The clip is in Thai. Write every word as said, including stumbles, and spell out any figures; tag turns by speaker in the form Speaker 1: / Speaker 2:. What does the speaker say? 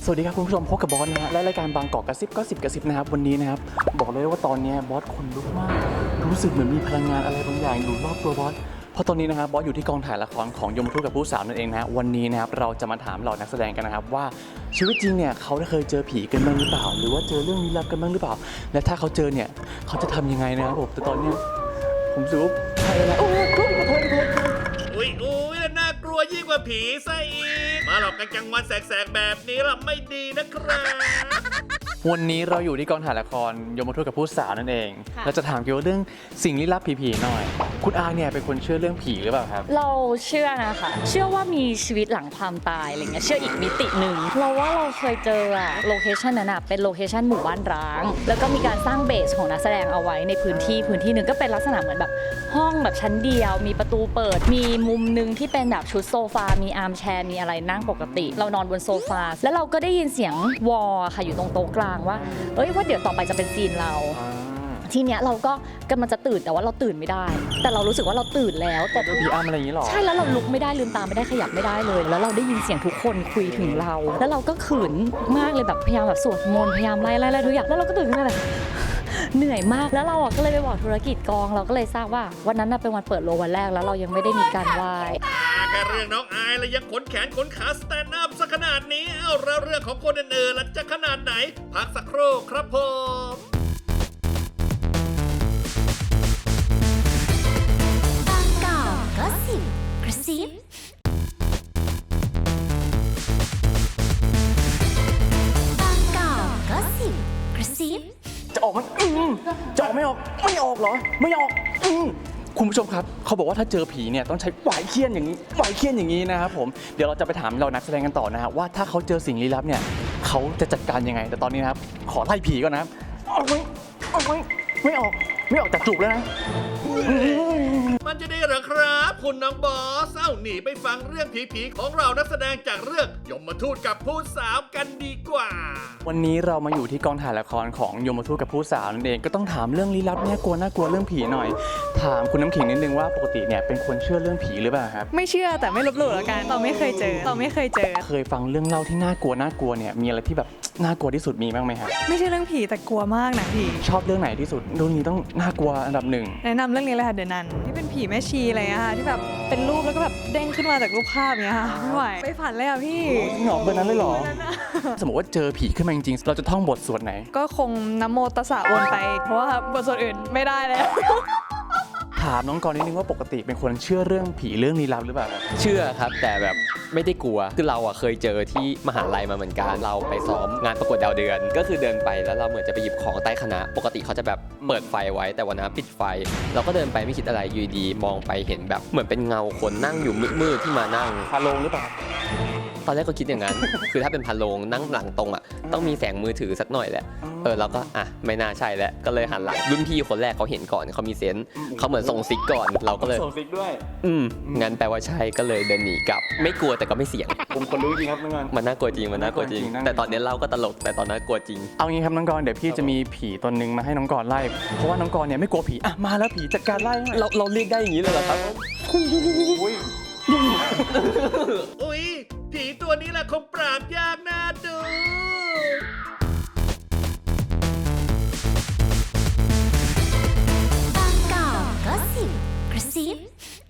Speaker 1: วัสดีครับคุณผู้ชมพบกับบอสนะฮะและรายการบางกอกกระซิบก็สิบกระซิบนะครับวันนี้นะครับบอกเลยว่าตอนนี้บอสคนลุกมากรู้สึกเหมือนมีพลังงานอะไรบางอย่างอยู่รอบตัวบอสเพราะตอนนี้นะครับบอสอยู่ที่กองถ่ายละครของยมทูตกับผู้สาวนั่นเองนะฮะวันนี้นะครับเราจะมาถามเหล่านักแสดงกันนะครับว่าชีวิตจริงเนี่ยเขาได้เคยเจอผีกันบ้างหรือเปล่าหรือว่าเจอเรื่องลี้ลับกันบ้างหรือเปล่าและถ้าเขาเจอเนี่ยเขาจะทำยังไงนะครับผมแต่ตอนนี้ผมรู้ใช่แล้วโอ้ยขอโทษขอโทษ
Speaker 2: อุ้ยอุ้ยแล้วน่ากลัวยิ่งกว่าผีซะอีกมาหลอกกันกลางวันแสกๆแบบนี้ล่ะไม่ดีนะครับ
Speaker 1: วันนี้เราอยู่ที่กองถ่ายละครยมทูตกับผู้สาวนั่นเองเราจะถามเกี่ยวกับเรื่องสิ่งลี้ลับผีๆหน่อยคุณอาเนี่ยเป็นคนเชื่อเรื่องผีหรือเปล่าครับ
Speaker 3: เราเชื่อนะคะเชื่อว่ามีชีวิตหลังความตายอะไรเงี้ยเชื่ออีกมิติหนึ่งเราว่าเราเคยเจออะโลเคชันนั้นอะเป็นโลเคชันหมู่บ้านร้างแล้วก็มีการสร้างเบสของนักแสดงเอาไว้ในพื้นที่พื้นที่หนึ่งก็เป็นลักษณะเหมือนแบบห้องแบบชั้นเดียวมีประตูเปิดมีมุมนึงที่เป็นแบบชุดโซฟามีอาร์มแชร์มีอะไรนั่งปกติเรานอนบนโซฟาแล้วเราก็ได้ยินเสียงวอลค่ะอยู่ตรงโต๊ะกลางว่าเอ้ยว่าเดี๋ยวต่อไปจะเป็นซีนเราทีเนี้ยเราก็กำลังจะตื่นแต่ว่าเราตื่นไม่ได้แต่เรารู้สึกว่าเราตื่นแล้วแต่
Speaker 1: ผีอ้ำอะไรอย่างนี้หรอ
Speaker 3: ใช่แล้วเราลุกไม่ได้ลืมตาไม่ได้ขยับไม่ได้เลยแล้วเราได้ยินเสียงทุกคนคุยถึงเราแล้วเราก็ขืนมากเลยแบบพยายามแบบสวดมนต์พยายามไล่ไล่ไล่ทุกอย่างแล้วเราก็ตื่นขึ้นมาแบบเหนื่อยมากแล้วเราก็เลยไปบอกธุรกิจกองเราก็เลยทราบว่าวันนั้นเป็นวันเปิดโรงวันแรกแล้วเรายังไม่ได้มีการไหว้
Speaker 2: แค่เรื่องน้องอายแล้วยังขนแขนขนขาสแตนด์อัพซะขนาดนี้เอ้าแล้วเรื่องของคนอื่นๆล่ะจะขนาดไหนพักสักครู่ครับผม
Speaker 4: บางกอกก็สิบกระซิบางกอกก็สิบกระซิบ
Speaker 1: จะออกมันอืมจะออกไม่ออกไม่ออกเหรอไม่ออกอืมคุณผู้ชมครับเขาบอกว่าถ้าเจอผีเนี่ยต้องใช้หวายเคี้ยนอย่างนี้หวายเคี้ยนอย่างนี้นะครับผมเดี๋ยวเราจะไปถามเรานักแสดงกันต่อนะฮะว่าถ้าเขาเจอสิ่งลี้ลับเนี่ยเขาจะจัดการยังไงแต่ตอนนี้นะครับขอไล่ผีก่อนนะครับออกไม่ออกไม่ไม่ออกไม่ออกจากจูบแล้วนะ
Speaker 2: มันจะได้เหรอครับคุณน้องบอสเอ้าหนีไปฟังเรื่องผีๆของเรานักแสดงจากเรื่องยมทูตกับผู้สาวกันดีกว่า
Speaker 1: วันนี้เรามาอยู่ที่กองถ่ายละครของยมทูตกับผู้สาวนั่นเองก็ต้องถามเรื่องลี้ลับเนี่ยกลัวน่ากลัวเรื่องผีหน่อยถามคุณน้ำขิงนิดนึงว่าปกติเนี่ยเป็นคนเชื่อเรื่องผีหรือเปล่าครับ
Speaker 5: ไม่เชื่อแต่ไม่ลบหลู่แล้วกันเราไม่เคยเจอเราไม่เคยเจอ
Speaker 1: เคยฟังเรื่องเล่าที่น่ากลัวน่ากลัวเนี่ยมีอะไรที่แบบน่ากลัวที่สุดมีบ้างไหมครับ
Speaker 5: ไม่ใช่เรื่องผีแต่กลัวมากนะพี่
Speaker 1: ชอบเรื่องไหนที่สุดเรื่องนี้ต้องน่ากลัวอันดับหนึ่ง
Speaker 5: แนะนำเรื่องนี้เลยค่ะเดอะนันที่เป็นผีแม่ชีอะไรอะค่ะที่แบบเป็นรูปแล้วก็แบบเด้งขึ้นมาจากรูปภาพเนี้ยค่ะไม่ไหวไปฝันเลยอ่ะพี่
Speaker 1: หงอกเบอร์นั้นเลยเหรอสมมติว่าเจอผีขึ้นมาจริงๆเราจะท่องบทสวดไหน
Speaker 5: ก็คงนะโมตัสสะวนไปเพราะว่าบทสวดอื่นไม่ได้แล้ว
Speaker 1: ถามน้องกรณ์นิดนึงว่าปกติเป็นคนเชื่อเรื่องผีเรื่องลี้ลับหรือเปล่า
Speaker 6: เชื่อครับแต่แบบไม่ได้กลัวคือเราอ่ะเคยเจอที่มหาลัยมาเหมือนกันเราไปซ้อมงานประกวดดาวเดือนก็คือเดินไปแล้วเราเหมือนจะไปหยิบของใต้คณะปกติเขาจะแบบเปิดไฟไว้แต่วันนั้นปิดไฟเราก็เดินไปไม่คิดอะไรอยู่ดีมองไปเห็นแบบเหมือนเป็นเงาคนนั่งอยู่มืดๆที่มานั่ง
Speaker 1: พาโลงหรือเปล่า
Speaker 6: ตอนแรกก็คิดอย่างนั้น คือถ้าเป็นพาโลงนั่งหลังตรงอ่ะต้องมีแสงมือถือสักหน่อยแหละเออเราก็อ่ะไม่น่าใช่แล้วก็เลยหันหลังรุ่นพี่คนแรกเขาเห็นก่อนเขามีเซนส์เขาเหมือนส่งซิกก่อนเราก็เลย
Speaker 1: ส่งซิกด้วย
Speaker 6: อืมงั้นแปลว่าใช่ก็เลยเดินหนีกลับไม่กลัวแต่ก็ไม่เสี่ยง
Speaker 1: ผมคนรู้จริงครับน้องกรณ์
Speaker 6: มันน่ากลัวจริงมันน่ากลัวจริงแต่ตอนนี้เล่าก็ตลกแต่ตอนนั้นกลัวจริง
Speaker 1: เอางี้ครับน้องกรณ์เดี๋ยวพี่จะมีผีตนนึงมาให้น้องกรณ์ไล่เพราะว่าน้องกรณ์เนี่ยไม่กลัวผีอ่ะมาแล้วผีจัดการไล่
Speaker 6: เราเราเรียกได้อย่างนี้เลยเหรอครับ
Speaker 2: อุ๊ยผีตัวนี้แหละคงปราบยากน่าดู
Speaker 4: บางกอกก็สิบกระซิบ